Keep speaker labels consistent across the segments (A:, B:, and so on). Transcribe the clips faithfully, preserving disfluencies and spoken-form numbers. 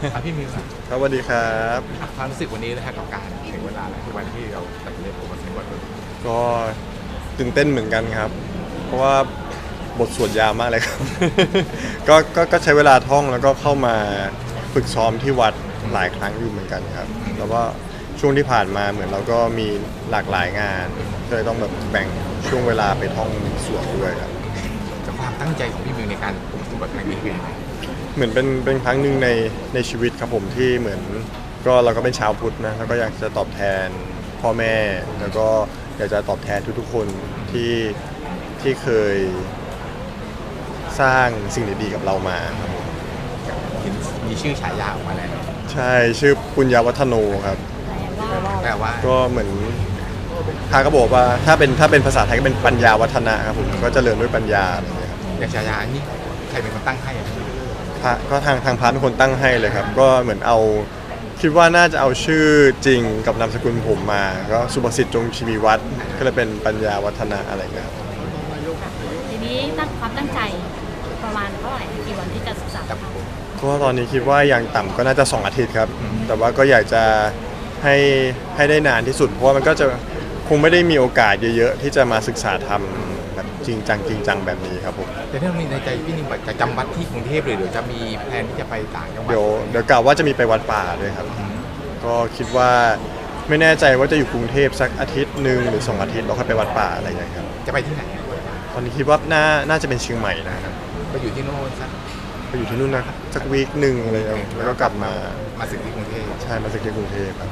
A: ครับพี่มิวครับ
B: ครับสวัสดีครับ
A: ความรู้สึกวันนี้นะครับกับการถึงเวลาแล้วคือวันที่เราตัดสินใจปลูกมันสมบูรณ์
B: ก็ตื่นเต้นเหมือนกันครับเพราะว่าบทสวดยาวมากเลยครับ ก็ก็ก็ใช้เวลาท่องแล้วก็เข้ามาฝึกซ้อมที่วัดหลายครั้งอยู่เหมือนกันครับแล้วก็ช่วงที่ผ่านมาเหมือนเราก็มีหลากหลายงานก็เลยต้องแบบแบ่งช่วงเวลาไปท่องสวดด้วยครับ
A: จากความตั้งใจของพี่มิวในการปลูกสมบูรณ์ครั้งนี้คือยังไง
B: เหมือนเป็นเป็นครั้งหนึ่งในในชีวิตครับผมที่เหมือนก็เราก็เป็นชาวพุทธนะแล้วก็อยากจะตอบแทนพ่อแม่แล้วก็อยากจะตอบแทนทุกๆคนที่ที่เคยสร้างสิ่งดีๆกับเรามาครับผม
A: เห็นมีชื่อฉายาออกมาแล้ว
B: ใช่ชื่อปุญญาวัฒโนครับ
A: แปลว่า
B: ก็เหมือนทาก็บอกว่าถ้าเป็นถ้าเป็นภาษาไทยก็เป็นปัญญาวัฒนะครับผมก็เจริญด้วยปัญญาอะไรอย่างเงี้ยครับ
A: อย่างฉายาอันนี้ใครเป็นคนตั้งให้อะพี่
B: พระก็ทางทางพระเป็นคนตั้งให้เลยครับก็เหมือนเอาคิดว่าน่าจะเอาชื่อจริงกับนามสกุลผมมาก็สุภสิทธิ์จงชีวีวัฒน์ก็เลยเป็นปัญญาวัฒนะอะไรเงี้ยครับ
C: ทีนี้ตั้งความตั้งใจประมาณเท่าไหร่กี่วันที่จะศึกษาครับ
B: ก็ตอนนี้คิดว่าอย่างต่ำก็น่าจะสองอาทิตย์ครับแต่ว่าก็อยากจะให้ให้ได้นานที่สุดเพราะว่ามันก็จะคงไม่ได้มีโอกาสเยอะๆที่จะมาศึกษาทำแบบจริงจังจริงจังแบบนี้ครับผม
A: แต่ถ้ามีในใจพี่นิมจะจำวัดที่กรุงเทพเลยหรือจะมีแผนที่จะไปต่างจังหวัด
B: เดี๋ยวเดี๋ยวกล่าวว่าจะมีไปวัดป่าด้วยครับก็คิดว่าไม่แน่ใจว่าจะอยู่กรุงเทพสักอาทิตย์หนึ่งหรือสองอาทิตย์แล้วค่อยไปวัดป่าอะไรอย่างเงี้ยครับ
A: จะไปที่ไหน
B: ตอนนี้คิดว่าน่าน่าจะเป็นเชียงใหม่นะครับ
A: ไปอยู่ที่โน่นสัก
B: ไปอยู่ที่นู่นนะสักวีคหนึ่งอะไรอย่างเงี้ยแล้วก็กลับมา
A: มาสึกที่กรุงเทพ
B: ใช่มาสึกที่กรุงเทพครับ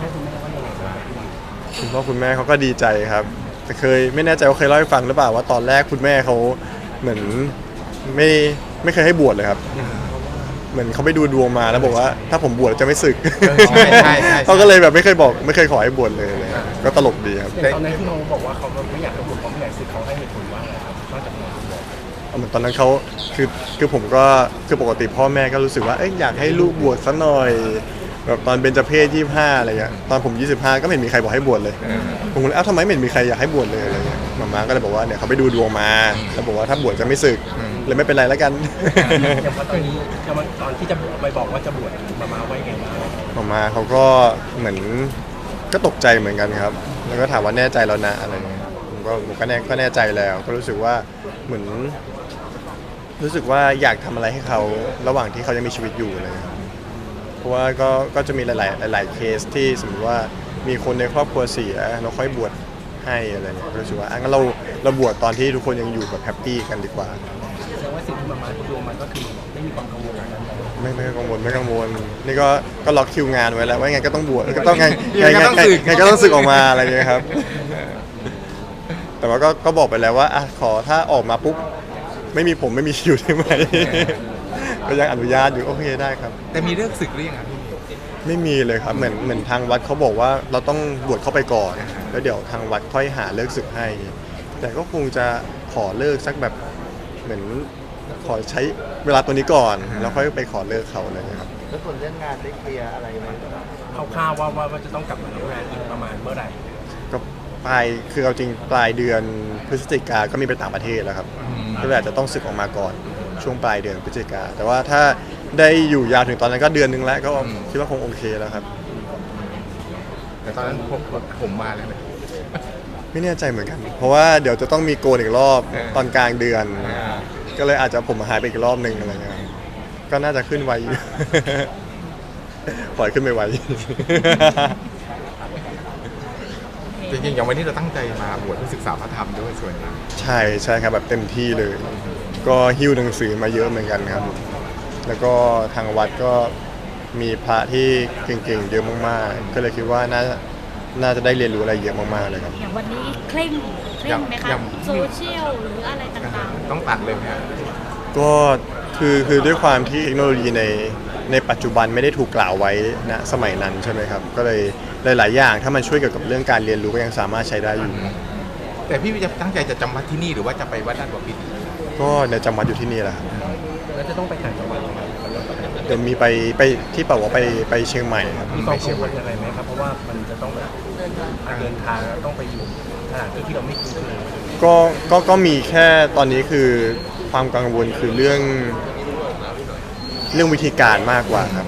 B: คุณพ่อคุณแม่เขาก็ดีใจครับแต่เคยไม่แน่ใจว่าเคยเล่าให้ฟังหรือเปล่าว่าตอนแรกคุณแม่เขาเหมือนไม่ไม่เคยให้บวชเลยครับเหมือนเขาไปดูดวงมาแล้วบอกว่าถ้าผมบวชจะไม่สึกเขาก็เลยแบบไม่เคยบอกไม่เคยขอให้บวชเลยก็ตลกดีครับ
D: ตอนนั้นที่น้องบอกว่าเขาไม่อยากให้บวชเขาไม่อยากสึกเขาให้เหตุผลว่าอะไรครับนอกจากน้องบวช
B: เหมือนตอนนั้นเขาคือคือผมก็คือปกติพ่อแม่ก็รู้สึกว่าเอ้ยอยากให้ลูกบวชสักหน่อยแบบตอนเบญจเพศยี่สิบห้าอะไรเงี้ยตอนผมยี่สิบห้าก็ไม่เห็นมีใครบอกให้บวชเลยผมก็เลยเอ้าทำไมไม่เห็นมีใครอยากให้บวชเลยอะไรเงี้ยมาม่าก็เลยบอกว่าเนี่ยเขาไปดูดวงมาแล้วบอกว่าถ้าบวชจะไม่สึกเลยไม่เป็นไรแล้วกัน
D: อย่างตอนนี้ตอนที่จะไปบอกว่าจะบวชมาม่าไว้ไงบ้าง
B: มาม่าเขาก็เหมือนก็ตกใจเหมือนกันครับแล้วก็ถามว่าแน่ใจแล้วนะอะไรเงี้ยผมก็ผมก็แน่ก็แน่ใจแล้วก็รู้สึกว่าเหมือนรู้สึกว่าอยากทำอะไรให้เขาระหว่างที่เขายังมีชีวิตอยู่เลยเพราะว่าก็ก็จะมีหลายๆหลายๆเคสที่สมมติว่ามีคนในครอบครัวเสียเราค่อยบวชให้อะไรเงี้ยรู้สึกว่างั้นเราเราบวชตอนที่ทุกคนยังอยู่แบบแฮปปี้กันดีกว่า
D: แสดงว่าสิ่งที่มาม่าดูมันก็คือไม่มีความกังวลอะไร
B: ไม่ไม่กังวลไม่กังวลนี่ก็ก็ล็อกคิวงานไว้แล้วว่าไงก็ต้องบวชก็ต้องไงไงไงไงก็ต้องสึกออกมาอะไรเงี้ยครับแต่ว่าก็ก็บอกไปแล้วว่าอ่ะขอถ้าออกมาปุ๊บไม่มีผมไม่มีคิวใช่ไหมก็ยังอนุญาตอยู่โอเคได้ครับ
A: แต่มีเรื่องศึกหรือยังครับพี่
B: ไม่มีเลยครับเหมือนเหมือนทางวัดเขาบอกว่าเราต้องบวชเข้าไปก่อนแล้วเดี๋ยวทางวัดค่อยหาเลิกศึกให้แต่ก็คงจะขอเลิกสักแบบเหมือนขอใช้เวลาตัวนี้ก่อนแล้วค่อยไปขอเลิกเขาเลยครับ
E: แล้วส่วนเรื่องงานได้เคลียร์อะไรไหม
D: คร่าวๆว่าว่าจะต้องกลับมาทำงานอีกประมาณเมื่อไหร่
B: ก็ปลายคือเอาจริงปลายเดือนพฤศจิกาก็มีไปต่างประเทศแล้วครับก็เลยอาจจะต้องศึกออกมาก่อนช่วงปลายเดือนพฤศจิกาแต่ว่าถ้าได้อยู่ยาวถึงตอนนั้นก็เดือนนึงแล้วก็คิดว่าคงโอเคแล้วครับ
A: แต่ตอนนั้นผมผมมาแล้วนะ
B: ไม่แน่ใจเหมือนกันเพราะว่าเดี๋ยวจะต้องมีโกนอีกรอบตอนกลางเดือนก็เลยอาจจะผมหายไปอีกรอบนึงอะไรเงี้ยก็น่าจะขึ้นไวปล่อยขึ้นไปไว
A: จริงๆอย่างวันนี้เราตั้งใจมาบวชเพื่อศึกษาพระธรรมด้วยส่วนนึง
B: ใช่ใช่ครับแบบเต็มที่เลยก็หิ้วหนังสือมาเยอะเหมือนกันครับแล้วก็ทางวัดก็มีพระที่เก่งๆเยอะมากๆก็เลยคิดว่าน่าน่าจะได้เรียนรู้อะไรเยอะมากๆเลยครับ
C: อย่างวันนี้เคร่งเคร่งไหมคะโซเชียลหรืออะไรต่าง
A: ๆต้องตัดเลยไหม
B: ก็คือคือด้วยความที่เทคโนโลยีในในปัจจุบันไม่ได้ถูกกล่าวไว้ณสมัยนั้นใช่ไหมครับก็เลยหลายๆอย่างถ้ามันช่วยเกี่ยวกับเรื่องการเรียนรู้ก็ยังสามารถใช้ได้อยู่
A: แต่พี่จะตั้งใจจะจำวัดที่นี่หรือว่าจะไปวัดด้านบ่อปิด
B: ก็เดี๋ยวจำวัดอยู่ที่นี่แหละครับ
D: แล้วจะต้องไปต่างจังหวัดไหมครับ
B: เดี๋ยวมีไปไปที่เป่าว่าไปไปเชียงใหม่ครับ
D: มีความกังวลอะไรไหมครับเพราะว่ามันจะต้องแบบเดินทางต้องไปอยู่สถานที่ที่เราไม่คุ้นเคย
B: ก็ก็ก็มีแค่ตอนนี้คือความกังวลคือเรื่องเรื่องวิธีการมากกว่าครับ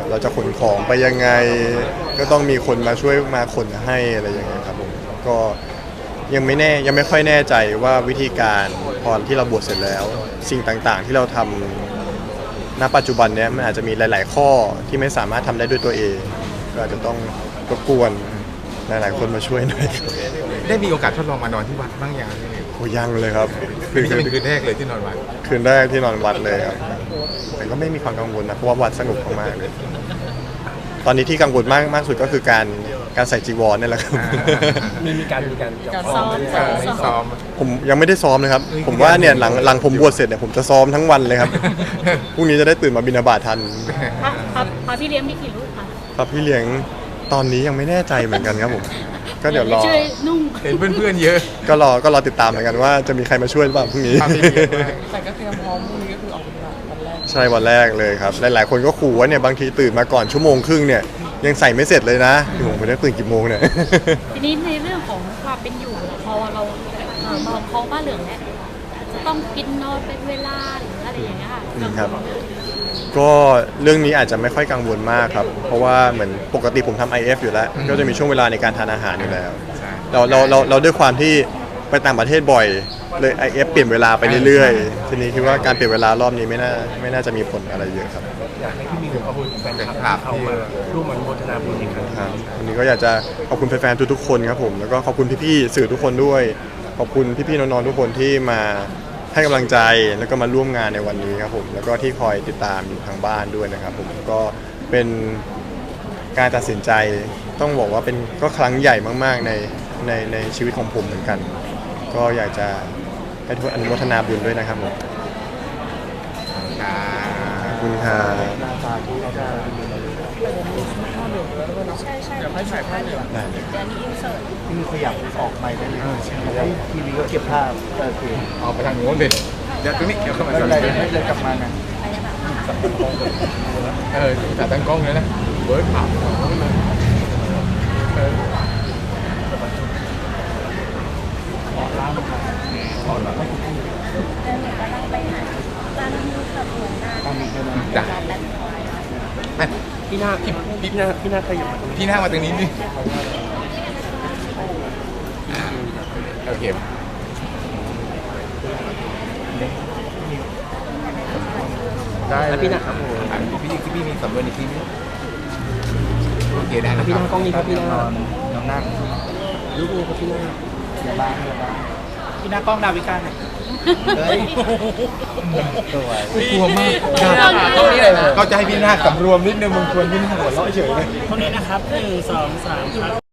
B: เราจะขนของไปยังไง ก็ต้องมีคนมาช่วยมาขนให้อะไรอย่างเงี้ยครับผมก็ยังไม่แน่ยังไม่ค่อยแน่ใจว่าวิธีการพอที่เราบวชเสร็จแล้ว สิ่งต่างๆที่เราทำณปัจจุบันเนี้ยมันอาจจะมีหลาย ๆ ข้อที่ไม่สามารถทำได้ด้วยตัวเองก็อาจจะต้องรบกวนหลายๆคนมาช่วยหน่อย
A: ได้มีโอกาสทดลองมานอนที่วัดบ้างยังพี่นิว
B: โอ้ยังเลยครับ
A: คืนนี้เป็นคืนแรกเลยที่นอนวัด
B: คืนแรกที่นอนวัดเลยครับแต่ก็ไม่มีความกังวลนะเพราะว่าวัดสนุกมากๆเลย ตอนนี้ที่กังวลมากมากสุดก็คือการการใส่จีวรนี่แหละครับ
D: มีมีการมีการ
C: ซ้อม
A: เออไม่ซ้อม
B: ผมยังไม่ได้ซ้อมนะครับ ผมว่าเนี่ยหลังหลังผมบวชเสร็จเนี่ยผมจะซ้อมทั้งวันเลยครับ พรุ่งนี้จะได้ตื่นมาบิณฑบาตทัน
C: พระพระพระพี่เลี้ยงมีกี่รูปคะ
B: ครับพี่เลี้ยงตอนนี้ยังไม่แน่ใจเหมือนกันครับผม ก็เดี๋ยวรอ
C: ช่วยนุ่ง
A: เห็นเพื่อนๆเยอะ
B: ก็รอก็รอติดตามเหมือนกันว่าจะมีใครมาช่วยหรือเปล่าพรุ่งนี้
A: ภาพที่เยอะมาก
F: แต่ก็เตรียมพร้อมพรุ่งนี้ก็คือออกวันแรก
B: ใช่วันแรกเลยครับ หลายๆคนก็ขู่ว่าเนี่ยบางทีตื่นมาก่อนชั่วโมงครึ่งเนี่ยยังใส่ไม่เสร็จเลยนะพี่ผมไม่ได้ตื่นกี่โมงเนี่ย
C: ทีนี้ในเรื่องของความเป็นอยู่พอเราเอ่อมองเขาบ้านเหลืองแล้วจะต้องกินนอนเป็นเวลาหรืออะไรอย่างเงี้ยค่ะ
B: อืมครับ ก็เรื่องนี้อาจจะไม่ค่อยกังวลมากครับ เพราะว่าเหมือนปกติผมทำ ไอ เอฟ อยู่แล้ว ก็จะมีช่วงเวลาในการทานอาหารอยู่แล้ว
A: ใช่
B: เราเราเราเราด้วยความที่ไปต่างประเทศบ่อยเลย ไอ เอฟ เปลี่ยนเวลาไปเรื่อยๆ ทีนี้คิดว่าการเปลี่ยนเวลารอบนี้ไม่น่าไม่น่าจะมีผลอะไรเยอะครับ
D: อยากให้พี่มิวขอบคุณแฟนคลับที่เข้ามาร่วมอนุโมทนาบุญอีกครั้ง
B: ครับวันนี้ก็อยากจะขอบคุณแฟนๆทุกๆคนครับผมแล้วก็ขอบคุณพี่ๆสื่อทุกคนด้วย ขอบคุณพี่ๆน้องๆทุกคนที่มาให้กำลังใจแล้วก็มาร่วมงานในวันนี้ครับผมแล้วก็ที่คอยติดตามอยู่ทางบ้านด้วยนะครับผมก็เป็นการตัดสินใจต้องบอกว่าเป็นก็ครั้งใหญ่มากๆในในในชีวิตของผมเหมือนกัน ก็อยากจะให้ทุกคนอนุโมทนาบุญด้วยนะครับผม
A: ครับ
B: ขอบคุณครับ
E: หน้าตาที่เราได้
F: ใช่ใช่เดี๋ยวให้ถ่ายภาพเหลือง
B: ได้เลย
F: เดี๋ยวนี้อินเสิร์ต
E: ที่มีขยับออกไปได้เลยให้ทีวีก็เก็บภาพเออคือ
A: เอาไปทางโน้นเลยเดี๋ยวตรงนี้เดี๋ยวเข้ามา
E: ไม่
A: ก่อ
E: เป็น นไรไม่เลยกลับมานะ
A: เออแต่ตั้งกล้องเลยนะเบิร์ดผ่าเออ
E: ตามนี้ใช่ไหม
A: จ้ะแม่
D: พี่นาพี่พี่นาพี่นาขยับมาตรงนี้
A: พี่หน้ามาตรงนี้นี่โอเคได้
D: แล้วพี่นาครับผม
A: อ่ะพี่พี่พี่มีสำนวนอีกทีนึงโอเคได้นะ
D: พี่
A: ค
D: นา
A: รับ
D: กล้องนี้ครับพี่นาน
E: อนนอนนั่ง
D: รูปนี้ครับพี่นา
E: อย่าบ้างอย่าบ้าง
F: พี่หน้ากล้องดาวิกาเนี่ย
E: เฮ้ยสวย
A: กลัวมาก
F: ตรงนี้เลยนะ
A: ก็จะให้พี่นาคสำรวมนิดนึงมึงควรพี่นาหัวเราะเฉยเลย
F: เท่านี้นะครับหนึ่งสองสามครับ